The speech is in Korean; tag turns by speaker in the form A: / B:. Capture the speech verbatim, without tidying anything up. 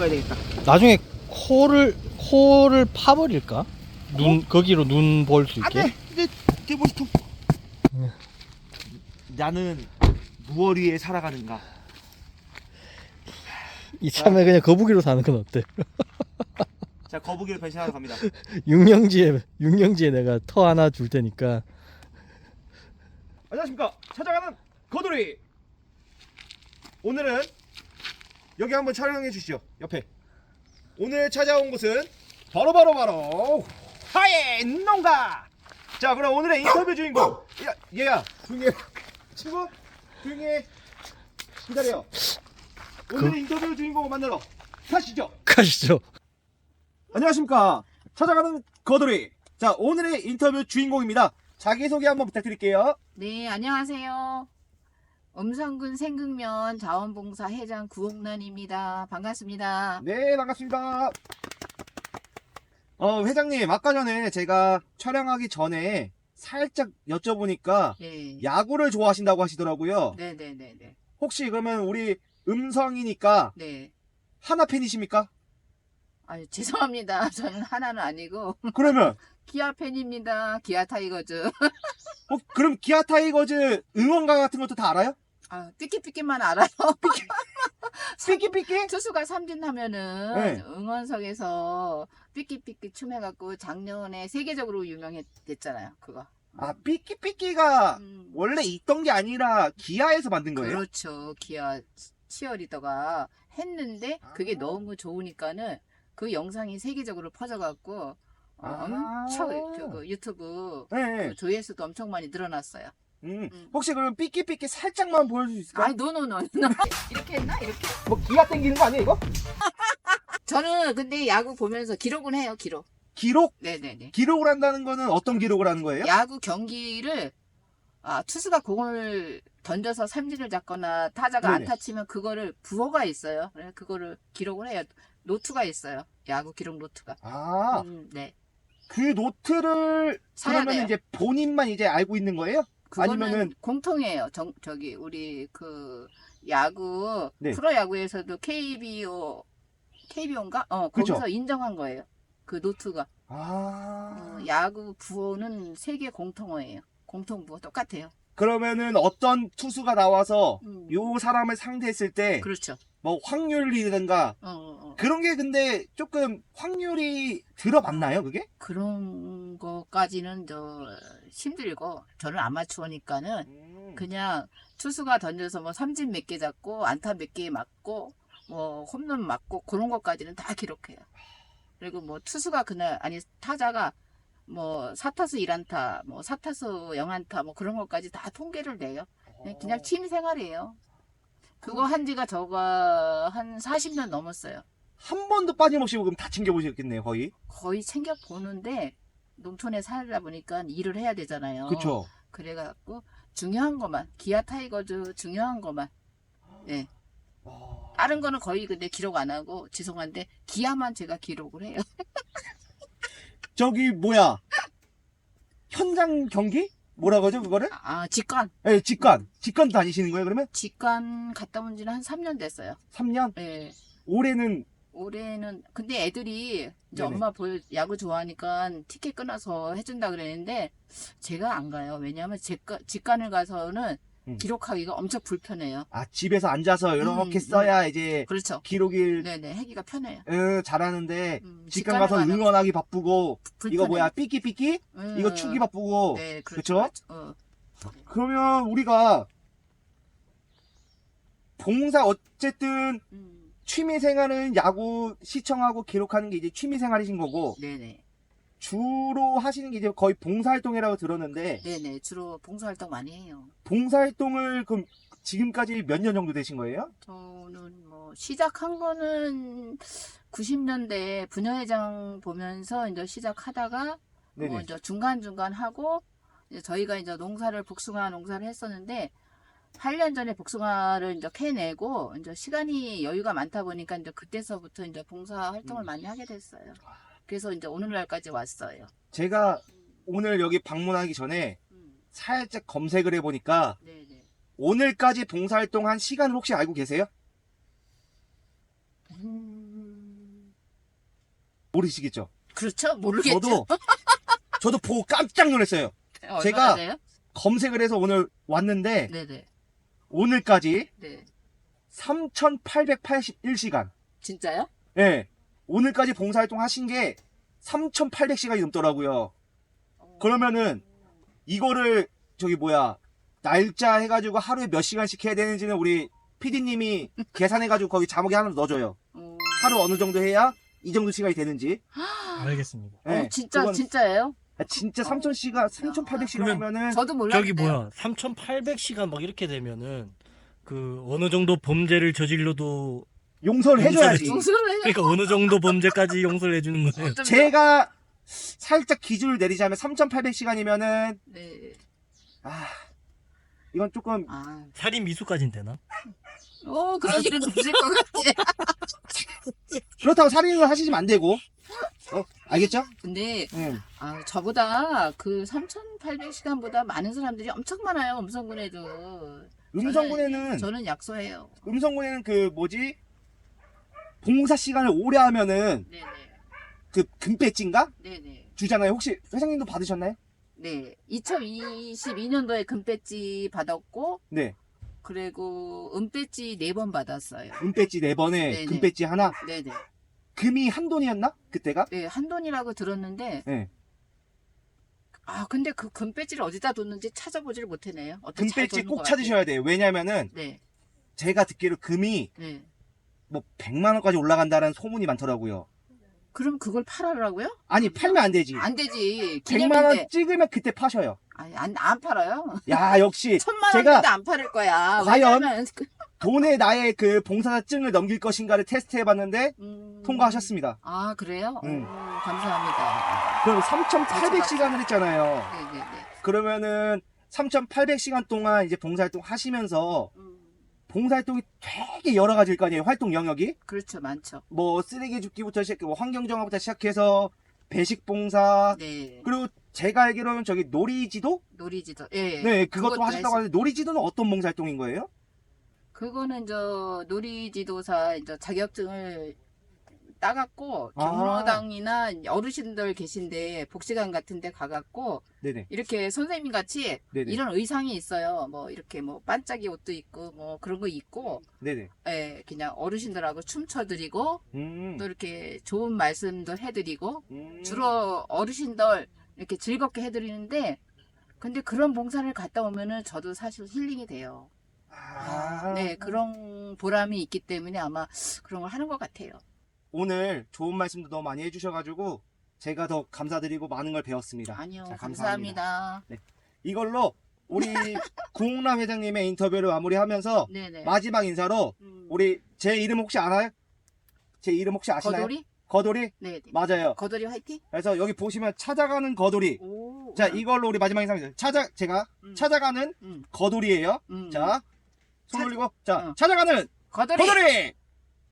A: 가야 되겠다.
B: 나중에 코를 코를 파버릴까? 눈
A: 어?
B: 거기로 눈 볼 수 있게.
A: 안돼. 이제 대보시통.
B: 네.
A: 나는 무얼 위에 살아가는가?
B: 이참에 그냥 거북이로 사는 건 어때?
A: 자, 거북이를 변신하러 갑니다.
B: 육령지에 육령지에 내가 터 하나 줄 테니까.
A: 안녕하십니까, 찾아가는 거돌이. 오늘은 여기 한번 촬영해 주시죠. 옆에. 오늘 찾아온 곳은 바로 바로 바로 하예 농가. 자, 그럼 오늘의 인터뷰 주인공. 야, 얘야, 조용히 해. 친구, 조용히 해. 기다려. 오늘의
B: 그...
A: 인터뷰 주인공을 만나러 가시죠.
B: 가시죠.
A: 안녕하십니까, 찾아가는 거돌이. 자, 오늘의 인터뷰 주인공입니다. 자기소개 한번 부탁드릴게요.
C: 네, 안녕하세요. 음성군 생극면 자원봉사 회장 구옥란입니다. 반갑습니다.
A: 네, 반갑습니다. 어, 회장님, 아까 전에 제가 촬영하기 전에 살짝 여쭤보니까
C: 네.
A: 야구를 좋아하신다고 하시더라고요.
C: 네네네네.
A: 혹시 그러면 우리 음성이니까
C: 네.
A: 하나 팬이십니까?
C: 아유, 죄송합니다. 저는 하나는 아니고
A: 그러면
C: 기아 팬입니다. 기아 타이거즈.
A: 어, 그럼 기아 타이거즈 응원가 같은 것도 다 알아요?
C: 아, 삐끼삐끼만 알아요.
A: 삐끼삐끼?
C: 투수가 삼진하면은
A: 네.
C: 응원석에서 삐끼삐끼 춤해갖고 작년에 세계적으로 유명했댔잖아요. 그거.
A: 아, 삐끼삐끼가
C: 음,
A: 원래 있던 게 아니라 기아에서 만든 거예요?
C: 그렇죠. 기아 치어리더가 했는데 그게
A: 아.
C: 너무 좋으니까는 그 영상이 세계적으로 퍼져갖고 어,
A: 아.
C: 엄청 그 유튜브
A: 네.
C: 그 조회수도 엄청 많이 늘어났어요.
A: 음.
C: 음.
A: 혹시 그럼 삐끼삐끼 살짝만 보여줄 수 있을까?
C: 아이 노노노 이렇게 했나 이렇게?
A: 뭐 기아 땡기는 거 아니에요, 이거?
C: 저는 근데 야구 보면서 기록은 해요. 기록.
A: 기록?
C: 네네네.
A: 기록을 한다는 거는 어떤 기록을 하는 거예요?
C: 야구 경기를 아, 투수가 공을 던져서 삼진을 잡거나 타자가
A: 네네.
C: 안타 치면 그거를 부호가 있어요. 그래서 그거를 기록을 해요. 노트가 있어요. 야구 기록 노트가.
A: 아,
C: 음, 네.
A: 그 노트를
C: 사야
A: 그러면
C: 돼요.
A: 이제 본인만 이제 알고 있는 거예요?
C: 그거는
A: 아니면은
C: 공통이에요. 정, 저기 우리 그 야구
A: 네.
C: 프로야구에서도 케이비오 케이비오인가? 어,
A: 그쵸.
C: 거기서 인정한 거예요. 그 노트가.
A: 아,
C: 어, 야구 부호는 세계 공통어예요. 공통 부호 똑같아요.
A: 그러면은 어떤 투수가 나와서
C: 음.
A: 요 사람을 상대했을 때 뭐
C: 그렇죠.
A: 확률이든가
C: 어, 어, 어.
A: 그런 게 근데 조금 확률이 들어맞나요, 그게?
C: 그런 것까지는 저 힘들고 저는 아마추어니까는
A: 음.
C: 그냥 투수가 던져서 뭐 삼진 몇 개 잡고 안타 몇 개 맞고 뭐 홈런 맞고 그런 것까지는 다 기록해요. 그리고 뭐 투수가 그날 아니 타자가 뭐 사타수 일 안타 뭐 사타수 영 안타 뭐 그런 것까지 다 통계를 내요. 그냥, 그냥 취미 생활이에요. 그거 한 지가 저가 한 사십 년 넘었어요.
A: 한 번도 빠짐없이 그럼 다 챙겨보셨겠네요, 거의.
C: 거의 챙겨 보는데 농촌에 살다 보니까 일을 해야 되잖아요.
A: 그쵸.
C: 그래갖고 중요한 것만 기아 타이거즈 중요한 것만. 네.
A: 와.
C: 다른 거는 거의 근데 기록 안 하고 죄송한데 기아만 제가 기록을 해요.
A: 저기 뭐야, 현장 경기? 뭐라고 하죠, 그거를?
C: 아 직관
A: 예, 직관. 직관 다니시는 거예요, 그러면?
C: 직관 갔다 온 지는 한 삼 년 됐어요.
A: 삼 년?
C: 네.
A: 올해는
C: 올해는 근데 애들이 이제
A: 네네.
C: 엄마 볼 야구 좋아하니까 티켓 끊어서 해준다 그랬는데 제가 안 가요. 왜냐하면 직관, 직관을 가서는
A: 음.
C: 기록하기가 엄청 불편해요.
A: 아, 집에서 앉아서 이렇게
C: 음,
A: 써야 이제
C: 그렇죠.
A: 기록이
C: 네네 하기가 편해요.
A: 어, 잘하는데
C: 음,
A: 직관 가서
C: 직관을 가면
A: 응원하기 바쁘고
C: 불편해요.
A: 이거 뭐야, 삐끼삐끼?
C: 음,
A: 이거 추기 바쁘고.
C: 네,
A: 그쵸?
C: 그렇죠. 그렇죠. 어.
A: 그러면 우리가 봉사 어쨌든
C: 음,
A: 취미 생활은 야구 시청하고 기록하는 게 이제 취미 생활이신 거고,
C: 네네.
A: 주로 하시는 게 이제 거의 봉사활동이라고 들었는데,
C: 네네. 주로 봉사활동 많이 해요.
A: 봉사활동을 그럼 지금까지 몇 년 정도 되신 거예요?
C: 저는 뭐 시작한 거는 구십 년대 부녀회장 보면서 이제 시작하다가
A: 네네.
C: 뭐 이제 중간중간 하고 이제 저희가 이제 농사를 복숭아 농사를 했었는데 팔 년 전에 복숭아를 이제 캐내고 이제 시간이 여유가 많다 보니까 이제 그때서부터 이제 봉사 활동을
A: 음.
C: 많이 하게 됐어요. 그래서 이제 오늘날까지 왔어요.
A: 제가 오늘 여기 방문하기 전에
C: 음,
A: 살짝 검색을 해보니까
C: 네네.
A: 오늘까지 봉사활동 한 시간을 혹시 알고 계세요?
C: 음,
A: 모르시겠죠?
C: 그렇죠? 모르겠죠.
A: 저도 저도 보고 깜짝 놀랐어요.
C: 얼마나
A: 제가
C: 돼요?
A: 검색을 해서 오늘 왔는데
C: 네네.
A: 오늘까지
C: 네.
A: 삼천팔백팔십일 시간.
C: 진짜요?
A: 예. 오늘까지 봉사활동 하신 게 삼천팔백 시간이 넘더라고요. 그러면은 이거를 저기 뭐야 날짜 해가지고 하루에 몇 시간씩 해야 되는지는 우리 피디님이 계산해가지고 거기 자막에 하나 넣어줘요.
C: 음...
A: 하루 어느 정도 해야 이 정도 시간이 되는지.
B: 알겠습니다.
A: 예.
C: 어, 진짜
A: 그건
C: 진짜예요?
A: 진짜 삼천 시간, 삼천팔백 시간
B: 그러면
A: 하면은
C: 저도 몰랐어요.
B: 저기 뭐야 삼천팔백 시간 막 이렇게 되면은 그 어느 정도 범죄를 저질러도
A: 용서를 해줘야지.
C: 용서를 해요.
B: 그러니까 어느 정도 범죄까지 용서를 해주는 거예요.
C: 어쩜
A: 제가 살짝 기준을 내리자면 삼천팔백 시간이면은
C: 네.
A: 아 이건 조금
C: 아,
B: 살인 미수까지는 되나?
C: 어 그런 일은 없을 것 같아.
A: 그렇다고 살인을 하시면 안 되고. 어, 알겠죠?
C: 근데
A: 응.
C: 아, 저보다 그 삼천팔백 시간보다 많은 사람들이 엄청 많아요. 음성군에도.
A: 음성군에는
C: 저는, 저는 약소해요.
A: 음성군에는 그 뭐지 봉사 시간을 오래 하면은
C: 네네.
A: 그 금배지인가
C: 네네.
A: 주잖아요. 혹시 회장님도 받으셨나요?
C: 네. 이천이십이 년도에 금배지 받았고,
A: 네.
C: 그리고 은배지 네 번 받았어요.
A: 은배지 네 번에
C: 네네.
A: 금배지 하나.
C: 네네.
A: 금이 한 돈이었나? 그때가?
C: 네, 한돈이라고 들었는데,
A: 네.
C: 아, 근데 그 금배지를 어디다 뒀는지 찾아보지를 못해네요. 어떻게 잘
A: 금배지
C: 뒀는
A: 꼭
C: 것
A: 찾으셔야 돼요. 왜냐면은
C: 같아요. 네.
A: 제가 듣기로 금이
C: 네.
A: 뭐 백만 원까지 올라간다는 소문이 많더라고요.
C: 그럼 그걸 팔아라고요?
A: 아니 팔면 안 되지.
C: 안 되지.
A: 백만 원
C: 기념인데.
A: 찍으면 그때 파셔요.
C: 아니, 안, 안 팔아요.
A: 야 역시
C: 천만
A: 제가
C: 원인데 안 팔을 거야.
A: 과연?
C: 왜냐면 그-
A: 돈에 나의 그 봉사자증을 넘길 것인가를 테스트해봤는데
C: 음...
A: 통과하셨습니다.
C: 아, 그래요?
A: 응.
C: 오, 감사합니다.
A: 그럼 삼천팔백 시간을 했잖아요.
C: 네네네.
A: 그러면은 삼천팔백 시간 동안 이제 봉사활동 하시면서
C: 음,
A: 봉사활동이 되게 여러 가지일 거 아니에요. 활동 영역이
C: 그렇죠, 많죠.
A: 뭐 쓰레기 줍기부터 시작해 뭐 환경정화부터 시작해서 배식 봉사
C: 네.
A: 그리고 제가 알기로는 저기 놀이지도
C: 놀이지도. 예.
A: 네 그것도
C: 그것도
A: 하셨다고
C: 했-
A: 하는데 놀이지도는 어떤 봉사활동인 거예요?
C: 그거는 저 놀이지도사 이제 자격증을 따갖고
A: 아.
C: 경로당이나 어르신들 계신데 복지관 같은데 가갖고
A: 네네
C: 이렇게 선생님 같이
A: 네네
C: 이런 의상이 있어요. 뭐 이렇게 뭐 반짝이 옷도 있고 뭐 그런 거 입고
A: 네네
C: 예, 그냥 어르신들하고 춤춰드리고
A: 음,
C: 또 이렇게 좋은 말씀도 해드리고
A: 음.
C: 주로 어르신들 이렇게 즐겁게 해드리는데 근데 그런 봉사를 갔다 오면은 저도 사실 힐링이 돼요.
A: 아,
C: 네, 그런 보람이 있기 때문에 아마 그런 걸 하는 것 같아요.
A: 오늘 좋은 말씀도 너무 많이 해주셔가지고 제가 더 감사드리고 많은 걸 배웠습니다.
C: 아니요,
A: 자,
C: 감사합니다.
A: 이걸로 우리 구홍남 회장님의 인터뷰를 마무리하면서
C: 네네.
A: 마지막 인사로
C: 음,
A: 우리 제 이름 혹시 알아요? 제 이름 혹시 아시나요?
C: 거돌이?
A: 거돌이?
C: 네, 네.
A: 맞아요.
C: 거돌이 화이팅?
A: 그래서 여기 보시면 찾아가는 거돌이.
C: 오.
A: 자 이걸로 우리 마지막 인사입니다. 찾아 제가
C: 음,
A: 찾아가는
C: 음,
A: 거돌이에요.
C: 음.
A: 자 손
C: 찾-
A: 올리고 자
C: 어.
A: 찾아가는
C: 거돌이.
A: 거돌이.